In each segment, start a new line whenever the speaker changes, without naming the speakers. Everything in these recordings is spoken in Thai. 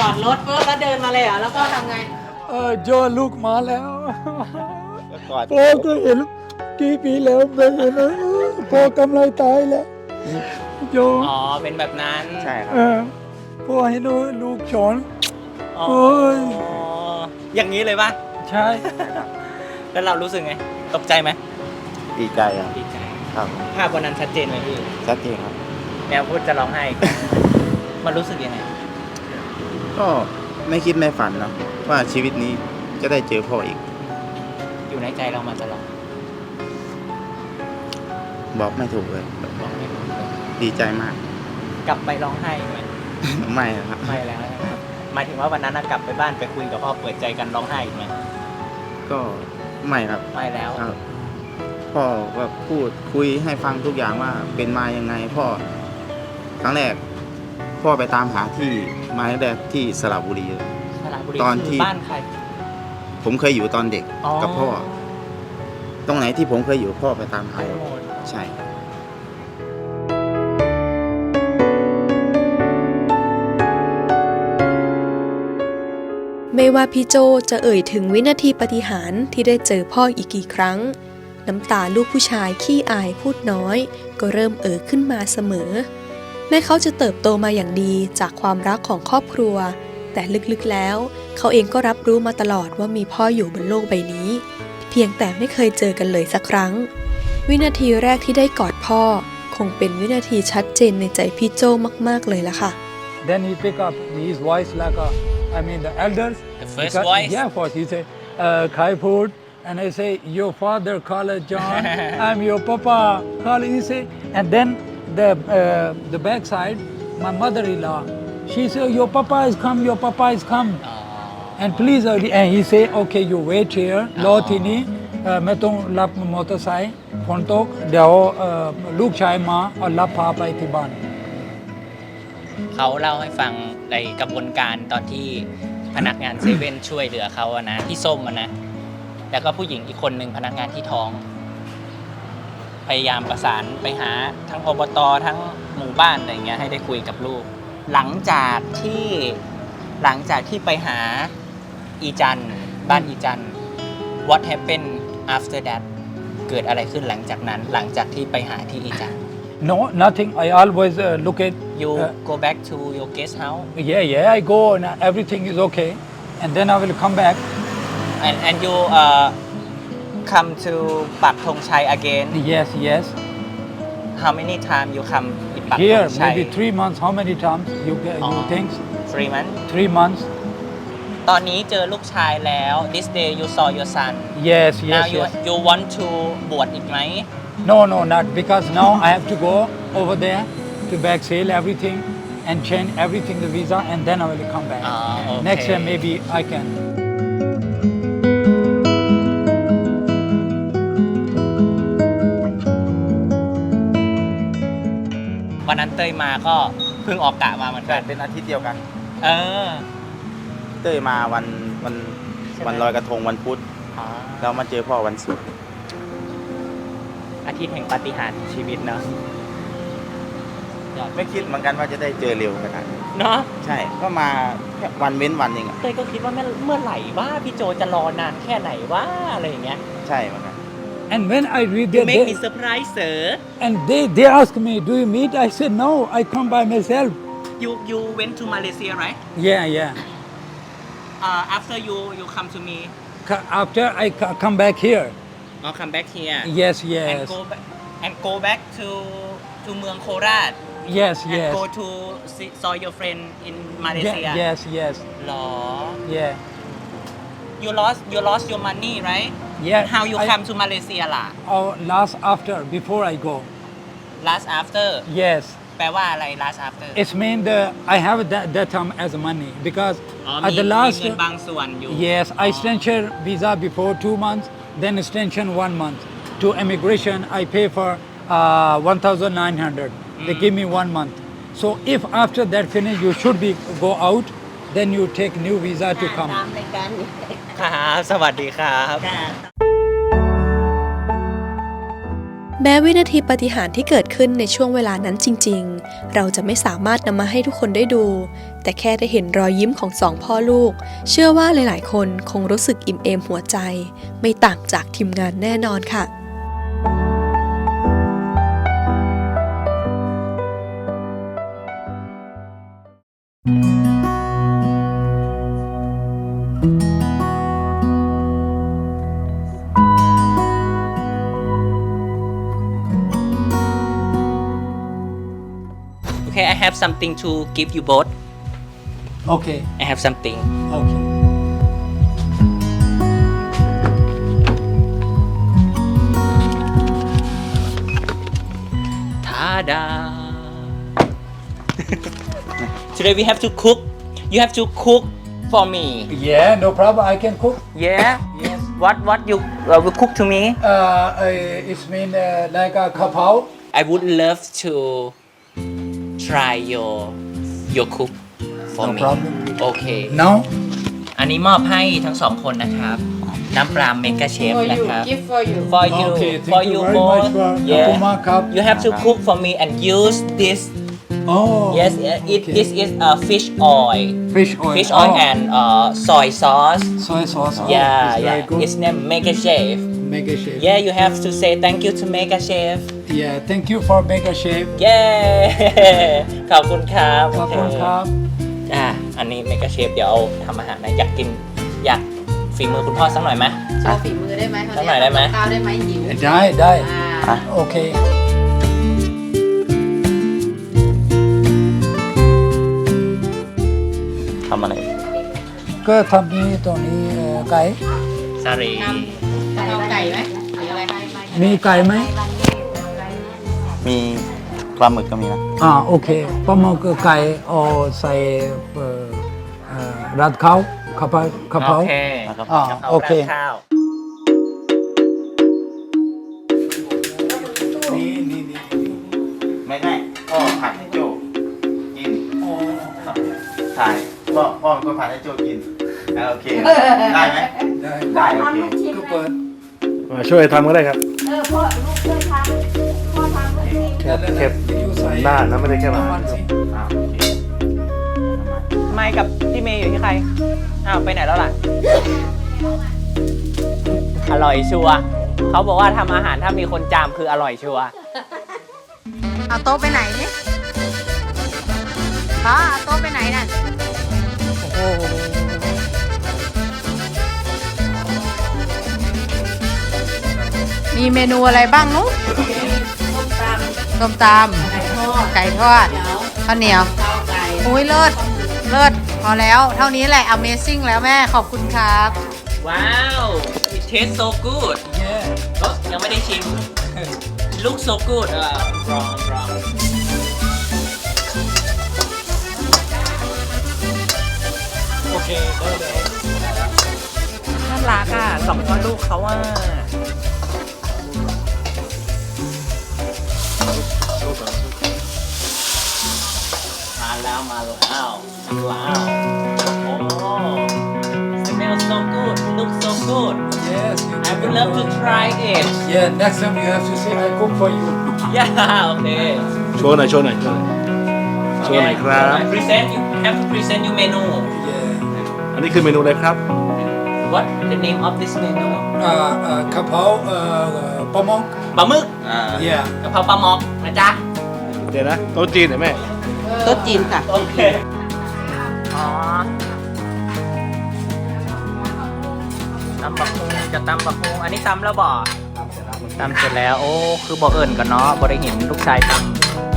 อดรถปุ๊บแล้วเดินมาเลยเหรอแล้วก็ทำไง
โจลูกมาแล้ว
กอด
พ่อก็เห็นกี่ปีแล้วไม่เห็นนะพ่อกำลังตายแล้วโจ
อ๋อเป็นแบบนั้น
ใช่ครับ
พ่อให้ลูกชอน
อ๋อ
โอ้ย
อย่างนี้เลยป่ะ
ใช่
แล้วเรารู้สึกไงตกใจไหม
ดีใจครับ
ดีใจ
ครับ
ภาพวันนั้นชัดเจนไหมพี่
ชัดเจนครับ
แมวพูดจะร้องไห้ มันรู้สึกยังไง
ก็ไม่คิดไม่ฝันเนาะว่าชีวิตนี้จะได้เจอพ่ออีก
อยู่ในใจเรามาตลอด
บอกไม่ถูกเลย
บอกไม่ถูกเลย
ดีใจมาก
กลับไปร้องไห้ไหม
ไม่นะครับ
ไม่แล้วนะครับหมายถึงว่าวันนั้นน่ะกลับไปบ้านไปคุยกับพ่อเปิดใจกันร้องไห้อีกไหม
ก็ไม่ครับ
ไม่แล้ว
ครับ พ่อก็พูดคุยให้ฟังทุกอย่างว่าเป็นมายังไงพ่อครั้งแรก พ่อไปตามหาที่มาแรกที่สระบุรีเลย
สระบุรี
ตอนที่
คือบ้านใคร
ผมเคยอยู่ตอนเด็กกับพ่อ ตรงไหนที่ผมเคยอยู่พ่อไปตามหา
ไปหมด
ใช่
ไม่ว่าพี่โจจะเอ่ยถึงวินาทีปาฏิหาริย์ที่ได้เจอพ่ออีกกี่ครั้ง น้ำตาลูกผู้ชายขี้อายพูดน้อย ก็เริ่มขึ้นมาเสมอ แม้เขาจะเติบโตมาอย่างดีจากความรักของครอบครัว แต่ลึกๆแล้ว เขาเองก็รับรู้มาตลอดว่ามีพ่ออยู่บนโลกใบนี้ เพียงแต่ไม่เคยเจอกันเลยสักครั้ง วินาทีแรกที่ได้กอดพ่อ คงเป็นวินาทีชัดเจนในใจพี่โจมากๆเลยล่ะค่ะ
Then he pick up his voice like the elders.
The first voice?
Yeah, first he say, Khai food. And I say, your father call it John. I'm your papa. Call it, he say. And then the back side, my mother-in-law, she say, your papa is come, your papa is come. And please, and he say, okay, you wait here. รอที่นี้ไม่ต้องรับมอเตอร์ไซค์ฝนตกเดี๋ยวลูกชายมาเอารับพาไปที่บ้าน
เขาเล่าให้ฟังในกระบวนการตอนที่พนักงานเซเว่นช่วยเหลือเขาอะนะที่ส้มอะนะแล้วก็ผู้หญิงอีกคนหนึ่งพนักงานที่ท้อง พยายามประสานไปหาทั้งอบตทั้งหมู่บ้านอะไรเงี้ยให้ได้คุยกับลูก หลังจากที่ไปหาอีจันบ้านอีจัน what happened after that เกิดอะไรขึ้นหลังจากนั้นหลังจากที่ไปหาที่อีจัน
No, nothing. I always look at.
you go back to your guest house
Yeah, I go and everything is okay, and then I will come back.
and you come to Pak Thong Chai again
Yes.
how many time you come in Pak
Here,
Thong Chai
maybe 3 months. How many times you think?
3 months
3 months.
ตอนนี้เจอลูกชายแล้ว this day you saw your son
Yes.
now you want to บวชอีกไหม
No, not because now I have to go over there to back sale everything and change everything the visa, and then I will come back.
Okay.
Next year maybe I can.
วันนั้นเต้ยมาก็เพิ่งออกกะมาเหมือนกัน
เป็นอาทิตย์เดียวกัน
เออ
เต้ยมาวัน
ใช่ไหม
วันลอยกระทงวันพุธ
อ๋อ
เรามาเจอพ่อวันศุกร์
อาทิตย์แห่งปาฏิหาริย์ชีวิตเนาะ
ไม่คิดเหมือนกันว่าจะได้เจอเร็วขนาดนี้
เนาะ
ใช่ ก็มาแค่วันเว้นวันเองอะ
เต้ยก็คิดว่าเมื่อไหร่ว่าพี่โจจะรอนานแค่ไหนว่าอะไรอย่างเงี้ย
ใช่เหมือนกัน
And when I read
you
that,
make me surprise sir
and they ask me, do you meet? I said no, I come by myself.
you went to Malaysia right
Yeah.
after you come to me
After I come back here.
or come back here
Yes.
and go back to เมืองโคราช
Yes.
and go to saw your friend in Malaysia
Yes.
หรอ
Yeah.
you lost your money right
Yeah.
how you come to Malaysia ล่ะ
Oh, last after, before I go.
last after
Yes.
แปลว่าอะไร last after
It's mean I have that time as money because
อ๋อ
at
มี
the last.
เงินบางส่วนอยู่
Yes, I extension visa before 2 months, then extension 1 month. To immigration, I pay for 1,900. They give me 1 month. So if after that finish, you should be go out, then you take new visa to come.
ตามรายการนี้
ครับสวัสดีครับ
แม้วินาทีปาฏิหาริย์ที่เกิดขึ้นในช่วงเวลานั้นจริงๆ เราจะไม่สามารถนำมาให้ทุกคนได้ดู แต่แค่ได้เห็นรอยยิ้มของสองพ่อลูก เชื่อว่าหลายๆ คนคงรู้สึกอิ่มเอมหัวใจ ไม่ต่างจากทีมงานแน่นอนค่ะ
Okay, I have something to give you both.
Okay.
I have something.
Okay.
Tada! Today we have to cook. You have to cook for me.
Yeah, no problem. I can cook.
Yeah.
Yes.
What you will cook to me?
It's mean like a kapao.
I would love to try your cook for
No
me.
problem.
Okay.
Now.
อันนี้มอบให้ทั้งสองคนนะครับ น้ำปลาเมกาเชฟ
For
นะ
you,
ครับ
gift for you.
For you,
Okay, thank
for
you
you
very
both.
much for
Yeah.
Apuma Cup.
You have to cook for me and use this.
Oh.
Yes,
okay.
this is fish oil.
Fish oil.
Fish oil
Oh.
and soy sauce.
Soy sauce. Oh,
Yeah,
it's very
yeah.
good.
It's named Mega Chef.
Mega Chef.
Yeah, you have to say thank you to Mega Chef.
Yeah. Thank you for Mega Chef.
เย้ ขอบคุณครับ
ขอบคุณครับ
อันนี้เมกาเชฟเดี๋ยวทำอาหารนะอยากฝีมือคุณพ่อสักหน่อยไหม
โชว์ฝีมือได้ไหม
สักหน่อยได้ไหม
ข้าวได้ไหมหิว
ได้
อ่า
โอเค
ทำอะไร
ก็ทำนี้ตัวนี้ไก่
สารี
เอาไก่ไหมหรืออะไร
มีไก่ไหม
มีปลาหมึกก็มีนะ
โอเคปลาหมึกไก่เอาใส่ราดข้าวกะเพรา
โอเค
นะครับ
โอเค
ข้าว
ไม่พ่อผัดให้โจกินถ่ายพ่อเป็นคนผัดให้โจกินโอเค ได้ไหม ได้โอเค
ก็เปิด
มาช่วยทำก็ได้ครับ
พ่อลูกช่วยทำพ่อทำก็จริง
แค่หน้านะไม่ได้แค่มา
น้ำมันสิ
โอเค
ไม่กับพี่เมย์อยู่ที่ใคร อ้าวไปไหนแล้วล่ะ อร่อยชัวร์เขาบอกว่าทำอาหารถ้ามีคนจามคืออร่อยชัวร์
เอาโต๊ะไปไหนนี่พ่อเอาโต๊ะไปไหนนั่นมีเมนูอะไรบ้างนุ๊กส้มตำไก่ทอดข้าวเหนียวอุ้ยเลิศพอแล้วเท่านี้แหละ Amazing แล้วแม่ขอบคุณครับ
ว้าว it tastes so good ยังไม่ได้ชิม look so good wrong
โอเคได้เลย
น่ารักอ่ะสองพ่อลูกเขาว่ามาแล้วว้าว โอ้ smells so good looks so good
Yes
I would love to try it
Yeah next time you have to say I cook for you
yeah โอเค
โชว์หน่อยครับ
present you have to present your menu
Yeah
อันนี้คือเมนูอะไรครับ
what the name of this menu
กะเพราปลาหมึก
ปลาหมึก
Yeah
กะเพราปลาหมอกนะจ๊ะ
เดี๋ยวนะโต๊ะจีนเหรอแม่
โต๊ะจีนค่ะ
โอเค อ๋อตำบักฮุงจะตำบักฮุงอันนี้ตำแล้วบ่ตำเสร็จแล้ว โอ้ คือบ่เอิญกันเนาะบ่ได้เห็นลูกชายตำ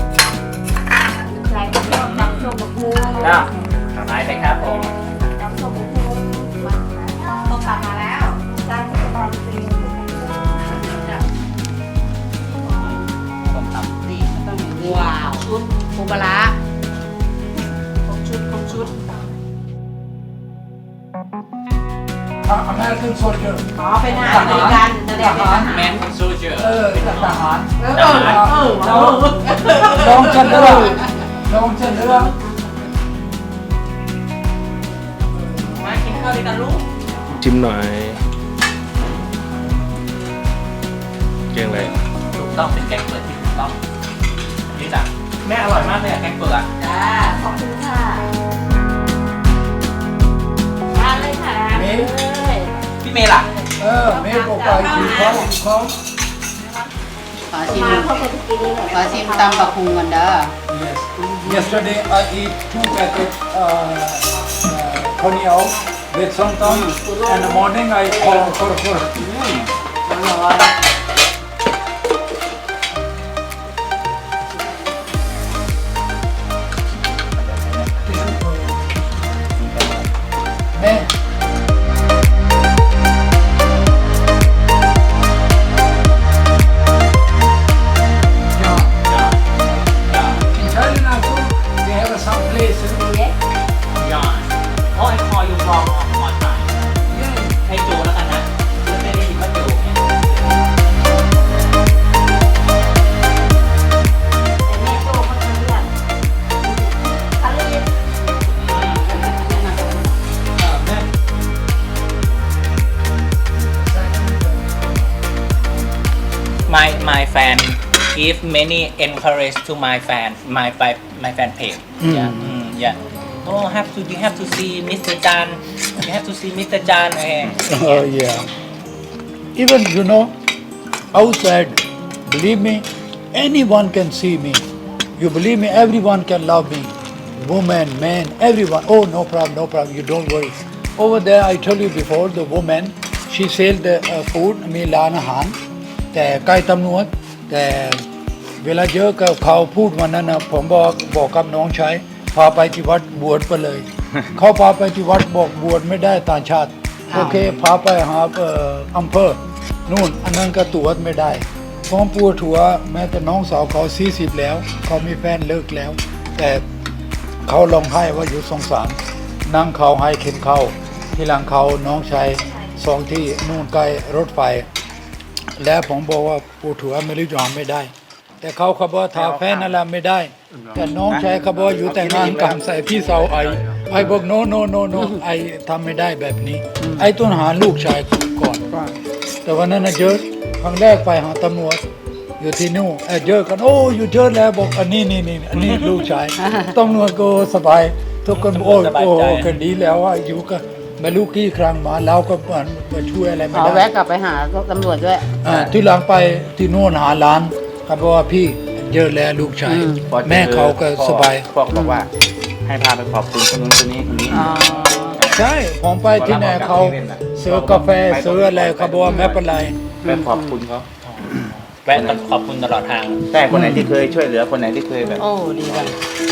ก็ทำไรไปครับผม
ต้องกลับมาแล้ว
ต้มตำ
ว้าว ชุดปูปลาร้าครบชุด
American soldier
อ๋อเป็นอาหารอเมริกันแสดงเป็นทหาร
แมนโซเจอร์
ทหาร
เรา
น้องจะเลือก
มากินข้าวด้วยกันลูก
ชิมหน่อยเก่งเลย
ถูกตต้องเป็นแกงเปลือกที่ถูกต้องนี่จ้ะแม่อร่อยมากเลยอะแกงเปลือกอะ
จ้าขอบคุณค่ะทานเลยค่ะ
เมย์
เลย
พี่เมย์ล่ะ
เมย์บอกไปกินข้าวกินข้าว
ขอชิม
มาเขาก็จะกินเลย
ขอชิมตำบักคุงก่อนเด้อ
Yes. Yesterday I eat 2 packets khoniao with somtam. And in the morning I for
ร้อน
May. In Thailand also they have some place.
ยอนโอ้ยคออยู่ฟองออนไลน์
Yeah.
ให้โจแล้วกันนะไม่ได้ยินว่าโจเนี่ย
แต่แม่โตเขาจะเลือกทะเล
May.
my fan give many encourage to my fan page yeah oh you have to see Mr. Chan you have to see Mr. Chan
Oh yeah. Even you know, outside, believe me, anyone can see me. You believe me, everyone can love me. Woman, man, everyone. Oh, no problem, no problem. You don't worry. Over there, I told you before, the woman, she sells the food, มีร้านอาหาร แต่ใกล้ตำรวจแต่เวลาเยอะก็เขาพูดวันนั้นนะผมบอกกับน้องชายพาไปที่วัดบวชไปเลย เขาพาไปที่วัดบอกบวชไม่ได้ต่างชาติ โอเคพาไปหาอำเภอนู่นอันนั้นก็ตรวจไม่ได้ผมปวดหัวแม้แต่น้องสาวเขา40แล้ว เขามีแฟนเลิกแล้ว แต่เขาร้องไห้ว่าอยู่สงสารนั่งเขาให้เข็นเข้าที่หลังเขาน้องชาย2 ที่นู่นใกล้รถไฟ แล้วผมบอกว่าปวดหัวไม่รู้จะทำไม่ได้ แต่เขาบอกทาแฟนนั่นแหละไม่ได้ แต่น้องชายเขาบอกอยู่แต่งงานกันใส่พี่สาวไอบอกโนไอทำไม่ได้แบบนี้ ไอต้องหาลูกชายก่อน แต่วันนั้นนะเจอครั้งแรกไปหาตำรวจอยู่ที่นู่นเจอกันโอ้อยู่เจอแล้วบอกอันนี้อันนี้ลูกชายตำรวจก็สบายทุกคนโอ้กันดีแล้วว่าอยู่ก็ไม่รู้กี่ครั้งมาเราก็มาช่วยอะไรไม่
ขอ
ได้
แวะกลับไปหาตำรวจด้วย
ที่หลังไปที่นู่นหาร้านเขาบอกว่าพี่เจอแล้วลูกชาย
พอจอ
แม่เขาก็สบาย
พ่อก็บอกว่าให้พาไปขอบคุณคนนู้นคนนี้คนนี้
อ๋อ
ใช่ผมไปที่ไหนเขาซื้อกาแฟซื้ออะไรเขาบอกว่าไม่เป็นไร
ไปขอบคุณเขา
แวะขอบคุณตลอดทาง
แต่คนไหนที่เคยช่วยเหลือคนไหนที่เคยแบบ
โอ้ดีจัง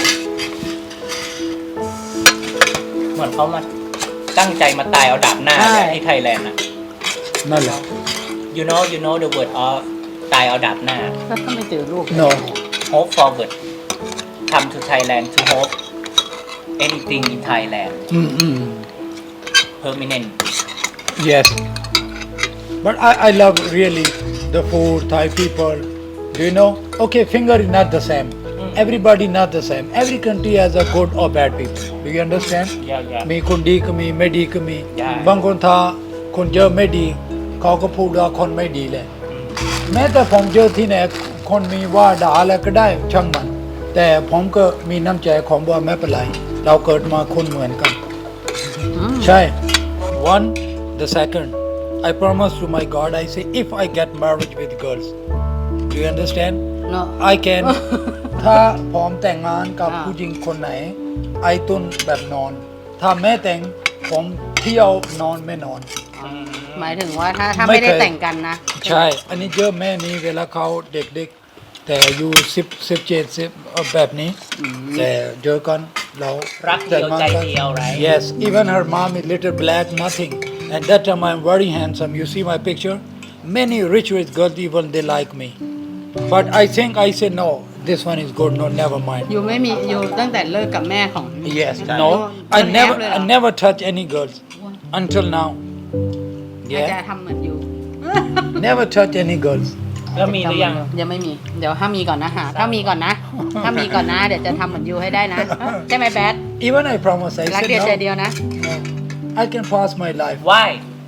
เหมือนเขามาตั้งใจมาตายเอาดาบหน้าเนี่ยที่ไทยแลนด์อะ
นั่นแหละ
you know the word of ตายเอาดาบหน้า
แล้วก็ไม่เจอลูก
no
hope forward come to Thailand to hope anything in Thailand permanent
yes but I love really the food Thai people do you know okay finger is not the same everybody not the same every country has a good or bad people do you understand
yeah
มีคนดีก็มีไม่ดีก็มี
Yeah.
บางคนถ้าคนเยอะไม่ดี เขาก็พูดว่าคนไม่ดีเลยแม้แต่ผมเจอที่ไหนคนมีว่าด่าอะไรก็ได้ช่างมัน แต่ผมก็มีน้ำใจของว่าไม่เป็นไร เราเกิดมาคนเหมือนกัน ใช่ one the second I promise to my God I say if I get married with girls do you understand
เนาะ
I can ถ้าผมแต่งงานกับ
อ่า
ผู้หญิงคนไหน ไอตุนแบบนอน ถ้าแม่แต่งผมเที่ยวนอนไม่นอน
หมายถึงว่าถ้า
ไม่
ไม่ได้
เคย
แต่งกันนะ
ใช่ อันนี้เยอะแม่นี้เวลาเขาเด็กๆ แต่อยู่17แบบนี้ แต่เจอกันเรา
รักเดียวใจเดียว right
Yes even her mom is little black nothing and that time I'm very handsome you see my picture many rich girls even they like me but I think I say no this one is good no never mind
อยู่ไม่มีอยู่ตั้งแต่เลิกกับแม่ของ
Yes,
Right.
no, I
Don't
never,
have it.
I never touch any girls until now.
อาจจะ
Yeah,
ทำเหมือนอยู่
never touch any girls.
แล้วมีหรือยัง
ยังไม่มี เดี๋ยวถ้ามีก่อนนะหาถ้ามีก่อนนะ ถ้ามีก่อนนะ เดี๋ยวจะทำเหมือนยูให้ได้นะ ใช่ไหมแบท
Even I promise, I
รัก
said
เดียวใจ
no,
เดียวนะ
no. I can pass my life
why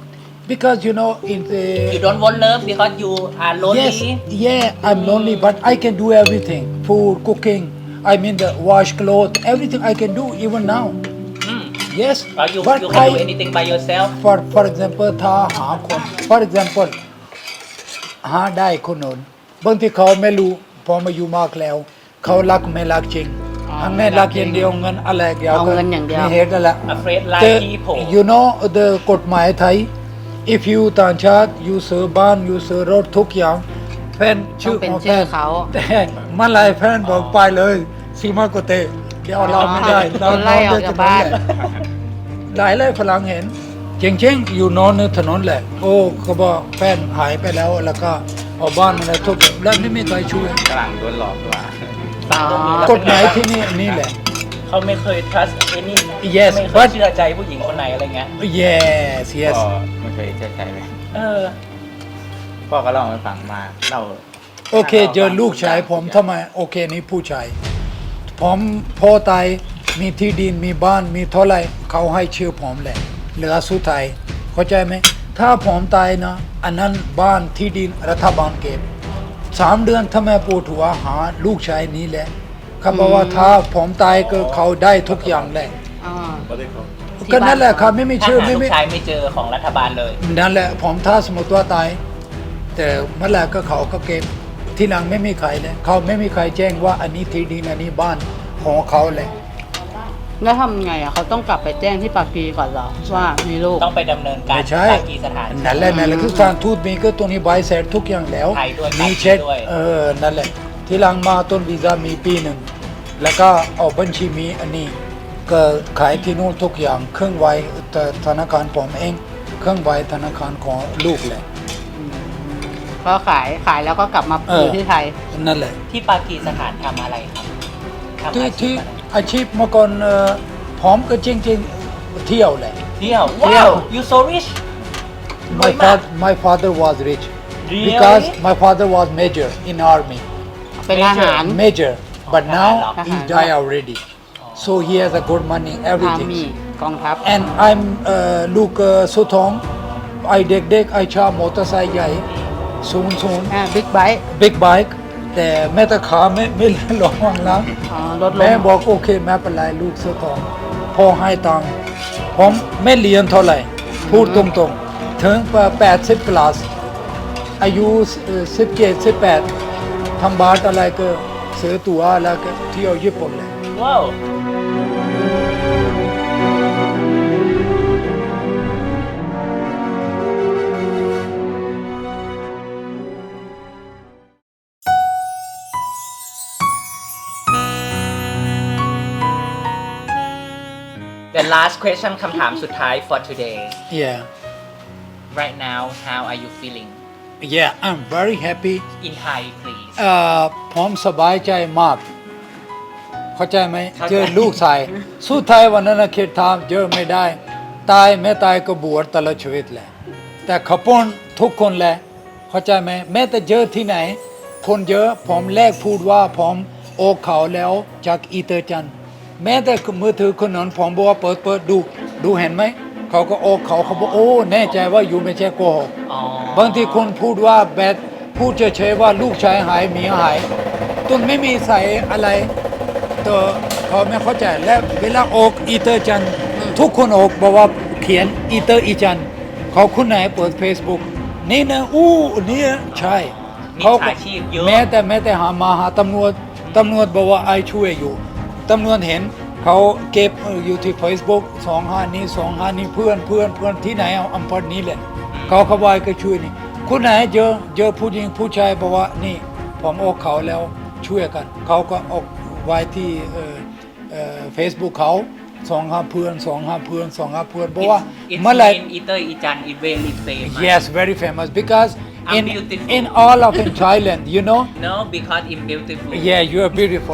because you know in the
you don't want love because you are lonely
yes, yeah, I'm lonely, but I can do everything. Food, cooking, I mean the wash clothes, everything I can do even now. Yes,
or you
but
can do
I,
anything by yourself
for example ถ้าหาคน for example หาได้คนนู้นบางทีเขาไม่รู้พอมาอยู่มากแล้ว เขารักไม่รักจริงถ้าไม่รักอย่างเดียวเงินอะไรเดียว
เอาเงินอย่างเดียว
มีเหตุนั่นแหละ
afraid like
แต่
people
you know the กฎหมายไทย if you ต่างชาติ you ซื้อบ้าน you ซื้อรถทุกอย่างแฟนชื่อ
ต้องเป็น
ของ
ชื่
แฟ
อน เขา
แต่เมื่อไรแฟนบอกไปเลยซีมาโกเตเดี๋ยวเราไม่ได้
โดนไล่ออกจากบ้าน
หลายเลยฝรั่งเห็นจริงๆอยู่นอนในถนนแหละ โอ้เขาบอกแฟนหายไปแล้วแล้วก็เอาบ้านอะไรทุกแล้วไม่มีใครช่วย
ฝรั่งโดนหลอกด้วย
ฟังตรงนี้แล้ว
ก
เป็
ฎ
น
ห
ไง
มาย
บ้าง
ที่นี่แหละ
เขาไม่เคย trust any
Yes,
ไม่เคย
but-
เชื่อใจผู้หญิงคนไหนอะไรเงี้ย
yes yes
พ่อไม่เคยเชื่อใจไหม
เออ
พ่อก็เล่าให้ฟังมาเล่า
โอเคเจอลูกชายผมทำไมโอเคนี่ผู้ชายผมพ่อตายมีที่ดินมีบ้านมีเท่าไหรเขาให้ชื่อผมแหละเหลือสุดท้ายเข้าใจไหมถ้าผมตายนะอันนั้นบ้านที่ดินรัฐบาลเก็บ3 เดือนทำไมปวดหัวหาลูกชายนี้แหละเขาบอกว่าถ้าผมตายก็เขาได้ทุกอย่างแหละ
อ่า
ก็นั่นแหละครับไม่มี
ถ้า
ชื่อ
หา
ไม่
ลู
มี
กชายไม่เจอของรัฐบาลเลย
นั่นแหละผมถ้าสมมติว่าตาย แต่เมื่อไหร่ก็เขาก็เก็บที่หลังไม่มีใครเลยเขาไม่มีใครแจ้งว่าอันนี้ที่ดินอันนี้บ้านของเขาเลย
แล้วทำไงอ่ะเขาต้องกลับไปแจ้งที่ปากกีก่อนเหรอว่ามีลูก
ต้องไปดำเนินการ
ไม่ใช่
ปากีสถาน
นั่นแหละคือการทูตมีก็ตัวนี้ใบเสร็จทุกอย่างแล้ว
ไทยด้วย
มีเช็ค
ด้วย
นั่นแหละที่หลังมาต้นวีซ่ามีปีหนึ่งแล้วก็เอาบัญชีมีอันนี้ก็ขายที่นู่นทุกอย่างเครื่องไว้แต่ธนาคารผมเองเครื่องไว้ธนาคารของลูกเลย
ก็ขายแล้วก็กลับมาอยู่ที่ไทย
นั่นแหละ
ที่ปากีสถานทำอะไรครับทำอาชี
ที่
พอะไร
อาชีพเมื่อก่อนผมก็จริงๆเที่ยวแหละ
เที่ยว
เที่
ว้า
ยว
ว you so rich
my father was rich
Really?
because my father was major in army
เป็นทหาร
major but now
Thahar.
he died already so he has a good money
อา
everything
มีกองทัพ
and I'm ลูกสุทองไอเด็กๆไอชอบมอเตอร์ไซค์ใหญ่สูง
บิ๊กไบค์
big bike แต่แม่ตะขาไม่ลงวังแล้ว
รถล
แม่
ม
บอกโอเคแม่เป็นไรลูกเสื้อทองพ่อให้ตังค์ผมไม่เรียนเท่าไหร่ พูดตรงๆ ถึง80 คลาส อายุ17 18ทำบาทอะไรก็ซื้อตั๋วแล้วก็เที่ยวญี่ปุ่นเลย
ว้าว The last question คำถามสุดท้าย for today
yeah
right now how are you feeling
yeah I'm very happy
in Thai please
ผมสบายใจมาก เข้าใจไหม
เข้าใจ
เจอลูกชายสุดท้ายวันนั้นนะคิดทำเจอไม่ได้ ตายไม่ตายก็บวชตลอดชีวิตแหละ แต่ขปนทุกคนแหละ เข้าใจไหมแม้แต่เจอที่ไหน คนเยอะผมแรกพูดว่าผมโอเขาแล้วจากอีเตอร์จันทร์แม้แต่มือถือคนนั้นผมบอกว่าเปิดดูเห็นไหม เขาก็โอเขาบอกโอ้แน่ใจว่าอยู่ไม่ใช่โกหก
อ๋อบ
างทีคนพูดว่าแบดพูดเฉยๆว่าลูกชายหายเมียหายตุนไม่มีใส่อะไรตัวเขาไม่เข้าใจและเวลาออกอีเตอร์จันทร์ทุกคนออกบอกว่าเขียนอีเตอร์อีจันทร์เขาคุณไหนเปิด Facebook นี่นะนี่ใช่
มี
เขา
ฉาชีพเยอะ
แม้แต่หาตำรวจบอกว่าไอช่วยอยู่ตำรวจเห็นเขาเก็บอยู่ที่ Facebook 25นี้เพื่อนที่ไหนเอาอำเภอนี้แหละเขาบอยก็ช่วยนี่คุณไหนเจอผู้หญิงผู้ชายบอกว่านี่ผมออกเขาแล้วช่วยกันเขาก็ออกไว้ที่Facebook เขา25เพื่อนบอกว่า
It's
เมื่อไหร่
in Eater Ijan is very famous
yes very famous because
I'm beautiful.
in all of in Thailand you know
no because I'm beautiful
yeah you are beautiful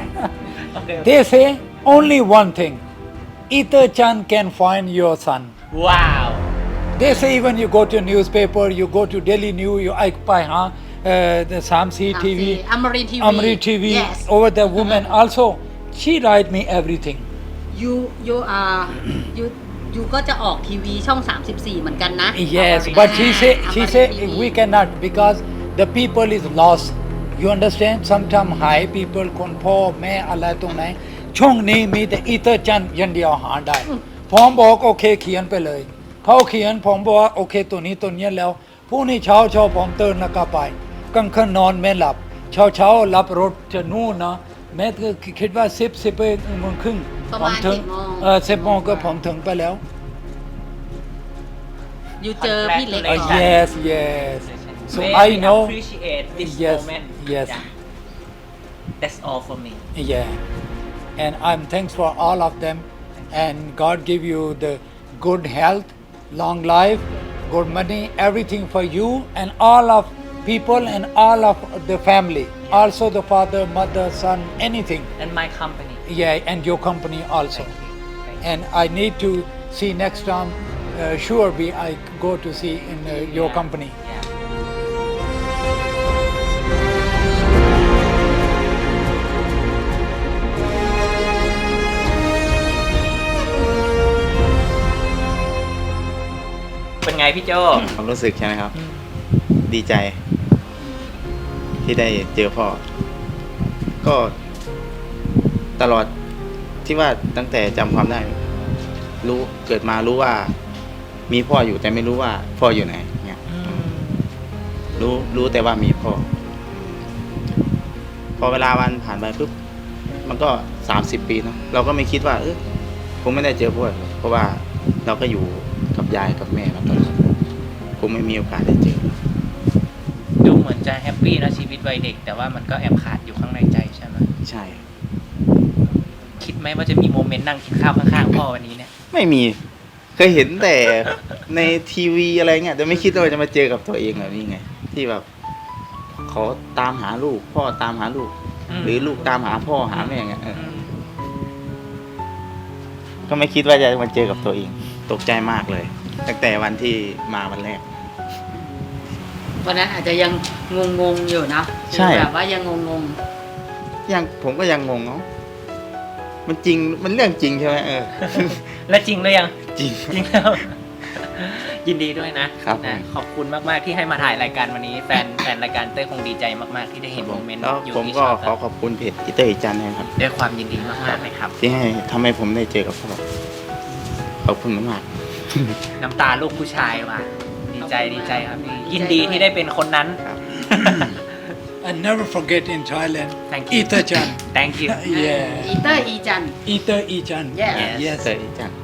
okay
they say only one thing Ether Chan can find your son
wow
they say when you go to newspaper you go to Daily News you ไปหาthe 3C TV
อมรินทีวี
Amri TV
yes
over the woman also she write me everything
you are you ยูก็จะออกทีวีช่อง 34 เหมือนกันนะ
Yes, but she said we cannot because the people is lost. You understand? Sometimes high people คนพ่อแม่อะไรตรงไหนช่วงนี้มีแต่อีเตอร์จันยันเดียวหาได้ผมบอกโอเคเขียนไปเลยเขาเขียนผมบอกว่าโอเคตัวนี้แล้วพรุ่งนี้เช้าผมตื่นแล้วก็ไปกลางคืนนอนไม่หลับเช้ารับรถจะนู่นนะแม่ก็คิดว่า11 โมงครึ่ง
ประ
ผ
มาณ
ถึง
10 โมง
10 โมงก็ผมถึงไปแล้ว
ยูเจอพี่เล็กก่อน
Yes. So
May
I know.
appreciate this
Yes,
moment.
yes.
Yeah. That's all for me.
Yeah, and I'm thanks for all of them, and God give you the good health, long life, good money, everything for you and all of people and all of the family. Also the father, mother, son, anything.
And my company.
Yeah, and your company also.
Thank you.
And I need to see next time. Sure, I go to see in your
Yeah.
company.
Yeah. เป็นไงพี่โจ
ความรู้สึกใช่ไหมครับ ดีใจ ที่ได้เจอพ่อ ก็ตลอดที่ว่าตั้งแต่จำความได้ รู้เกิดมารู้ว่ามีพ่ออยู่แต่ไม่รู้ว่าพ่ออยู่ไหนเนี่ยรู้แต่ว่ามีพ่อ พอเวลาวันผ่านไปปุ๊บมันก็30 ปีเนาะเราก็ไม่คิดว่าคงไม่ได้เจอพ่อหรอกเพราะว่าเราก็อยู่กับยายกับแม่มาตลอดคงไม่มีโอกาสได้เจอ
ดูเหมือนจะแฮปปี้นะชีวิตวัยเด็ก แต่ว่ามันก็แอบขาดอยู่ข้างในใจใช่ไหม
ใช่
คิดไหมว่าจะมีโมเมนต์นั่งกินข้าวข้างๆพ่อวันนี้เนี่ย
ไม่มีเคยเห็นแต่ในทีวีอะไรเงี้ยแต่ไม่คิดว่าจะมาเจอกับตัวเองแบบนี้ไง ที่แบบเขาตามหาลูกพ่อตามหาลูก หรือลูกตามหาพ่อหาแม่เงี้ยก็ไม่คิดว่าจะมาเจอกับตัวเอง ตกใจมากเลยตั้งแต่วันที่มาวันแรก
วันนั้นอาจจะยังงงๆอยู่นะ
ใช่
แบบว่ายังงง
ยังผมก็ยังงงเนาะมันจริงมันเรื่องจริงใช่ไหม
และจริงหรือยัง
จริง
จริงแล้ว ยินดีด้วยนะครับ นะขอบคุณมากๆที่ให้มาถ่ายรายการวันนี้ แฟนรายการเต้ยคงดีใจมากๆที่ได้เห็นโมเมนต์
แล้ว
อยู่
ผม
ที่
ก็
ชอบ
ขอขอบคุณเพจอิเตอร์อิจันนะครับ
ด้วยความยินดีมากๆเลยครับ
ที่ให้ทำให้ผมได้เจอกับพ่อขอบคุณมาก
น้ำตาลูกผู้ชายว่ะดีใจครับพี่ยินดีที่ได้เป็นคนนั้น
ครับ
And never forget in Thailand.
Thank you.
Ita-chan.
Thank you
ๆ
Yeah.
อีเตอร์อีจัน
Ita-chan.
Yes.
ๆ
Yes.
เตอร์อิจัน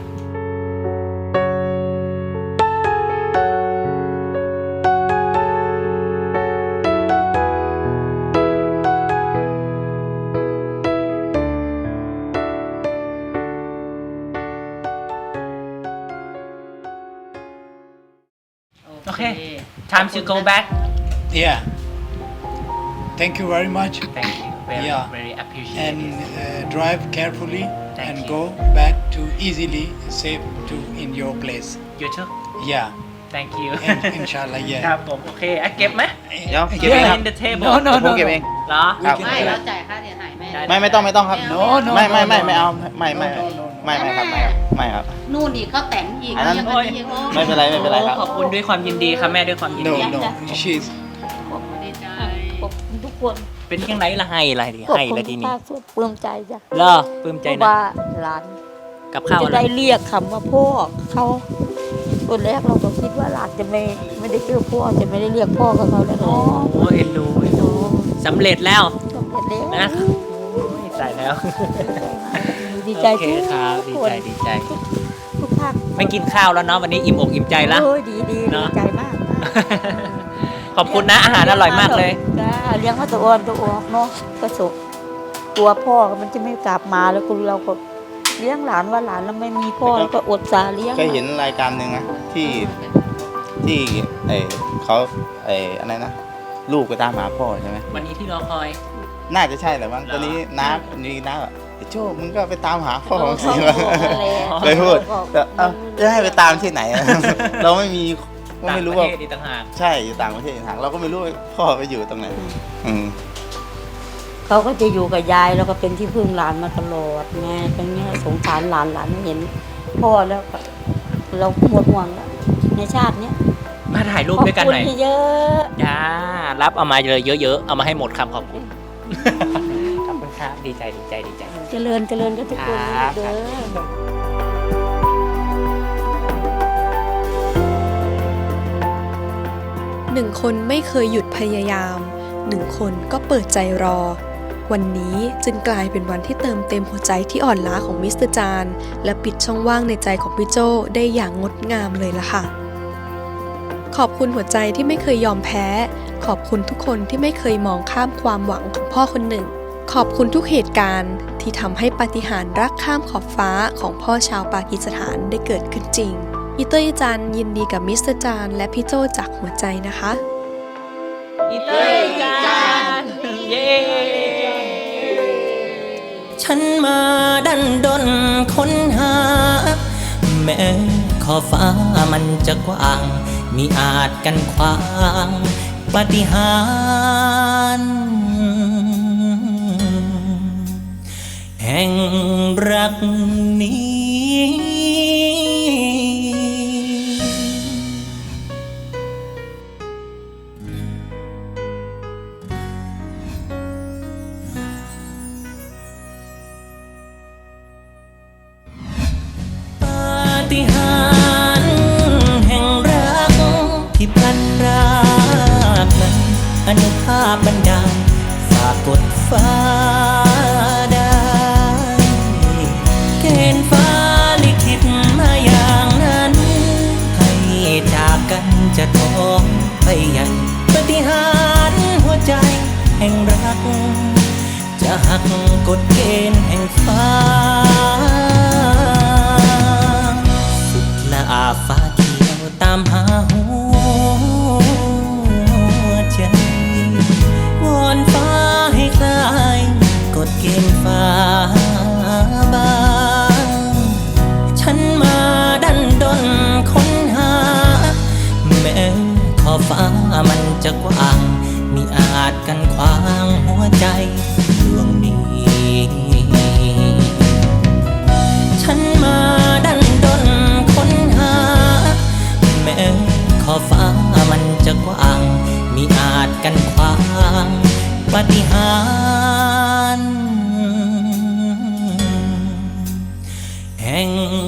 โอเค time to go back
Yeah. Thank you very much.
thank you very
Yeah.
very appreciate
And
it
drive carefully
Thank
and
you.
go back to easily safe to in your place.
you too
Yeah.
thank you
And inshallah,
ค
yeah.
รับผมโอเคอ่ะเก็บไหม
เดี๋ยวเก็บ
Put
เอง
it
ครับ
in the table
No, no,
ผม
no,
เก็บเอง
no.
เหรอ
ครับ
ไม่เราจ่ายค่าเสียหายแม่
ได้
ไม่ต้องครับ
No, no,
ไม่
no,
ไม่
no.
ไม่เอาไม่
No, no, no.
ไม่ครับไม่ครับ
นู่นอีกเขาแต่งอีก
อันนั้น
ยังอันนี้อีกโอ้
ไม่เป็นไรไม่เป็นไรครับ
ขอบคุณด้วยความยินดีครับแม่ด้วยความยิน
No,
ดี
no. She's
ดีใจ
ขอบคุณทุกคน
เป็นยังไงละให้อะไรดิ
ขอบ
ให้
คุณ
ละที
ทุก
นี้
ภาคส่วนปลื้มใจจ้ะ
เหรอปลื้มใจ
เพราะ
นะ
ว่าหลาน
กับข้าว
จะ
อะไร
ได้เรียกคำว่าพ่อเขาตอนแรกเราก็คิดว่าหลานจะไม่ได้เจอพ่อจะไม่ได้เรียกพ่อกับเขาแล้วเนาะ
โอ้เอ็นดูเอ็นดูสำเร็จแล้ว
สำเร็จแล้ว
นะโอ้ยตายแล้ว
ดีใจ
โอเคครับดีใจดีใจ
ทุกภาค
ไม่กินข้าวแล้วเนาะวันนี้อิ่มอกอิ่มใจแล้ว
โอ้ยดี
เนอะ
ดีใจมาก
ขอบคุณนะอาหารอร่อยมากเลย
จ้าเลี้ยงมาตัวอ่อนตัวออกเนาะก็สุขตัวพ่อมันจะไม่กลับมาแล้วคุณเราก็เลี้ยงหลานว่าหลานแล้วไม่มีพ่อแล้วก็อดสาเลี้ยง
เคยเห็นรายการหนึ่งนะที่เขาอะไรนะลูกไปตามหาพ่อใช่ไหม
วันนี้ที่รอคอย
น่าจะใช่แหละมั้ง
เหรอ
ตอนนี้น้าแบบไอ้โจ้มึงก็ไปตามหาพ่อของสิ
เขา
วะ
บอกอะไร
เลยพูดแต่เอ้าจะให้ไปตามที่ไหนอะ เราไม่มีก็
ต่าง
ไม่
ป
รู้
ระ
ว่า
เทศอีกต่างหาก
ใช่อยู่ต่างประเทศทางเราก็ไม่รู้ว่าพ่อไปอยู่ตรงไหนอืม
เขาก็จะอยู่กับยายแล้วก็เป็นที่พึ่งหลานมาตลอดไงเป็นเงี้ยสงสารหลานไม่เห็นพ่อแล้วก็เราหมดห่วงแล้วในชาติเนี้ย
มาถ่ายรูปด้วยกันหน่อย
ขอบคุณเยอะ
จ้ารับเอามาเลยเยอะๆ เอามาให้หมดคำขอบคุณ ขอบคุณครับ ดีใจ
เจริญกันทุกคน
ครับ
เด้อ
หนึ่งคนไม่เคยหยุดพยายามหนึ่งคนก็เปิดใจรอ วันนี้จึงกลายเป็นวันที่เติมเต็มหัวใจที่อ่อนล้าของมิสเตอร์จานและปิดช่องว่างในใจของพี่โจได้อย่างงดงามเลยล่ะค่ะ ขอบคุณหัวใจที่ไม่เคยยอมแพ้ ขอบคุณทุกคนที่ไม่เคยมองข้ามความหวังของพ่อคนหนึ่ง ขอบคุณทุกเหตุการณ์ที่ทำให้ปาฏิหาริย์รักข้ามขอบฟ้าของพ่อชาวปากีสถานได้เกิดขึ้นจริงอีเตอร์อีจันยินดีกับมิสเตอร์จานและพี่โจจากหัวใจนะคะ
อีเตอร์จานเย้
ฉันมาดันดนค้นหา แม้ขอบฟ้ามันจะกว้างมิอาจกันขวางปาฏิหาริย์แห่งรักนี้ ปาฏิหาริย์แห่งรักที่พลันรากนั้นอนุภาพบันดาลฝากกดฟ้าได้เกณฑ์ฟ้าลิขิตมาอย่างนั้นให้จากกันจะท้องไปใหญ่ปาฏิหาริย์หัวใจแห่งรักจะหักกฎเกณฑ์แห่งฟ้าสุดละอาฟ้าเขียวตามหาหัวใจวอนฟ้าให้คลายกฎเกณฑ์ฟ้าบางฉันมาดันดนค้นหาแม้ขอบฟ้ามันจะกว้างมิอาจกันขวางหัวใจดวงนี้ฉันมาดันดนค้นหาแม้ขอบฟ้ามันจะกว้างมิอาจกันขวางปาฏิหาริย์แห่ง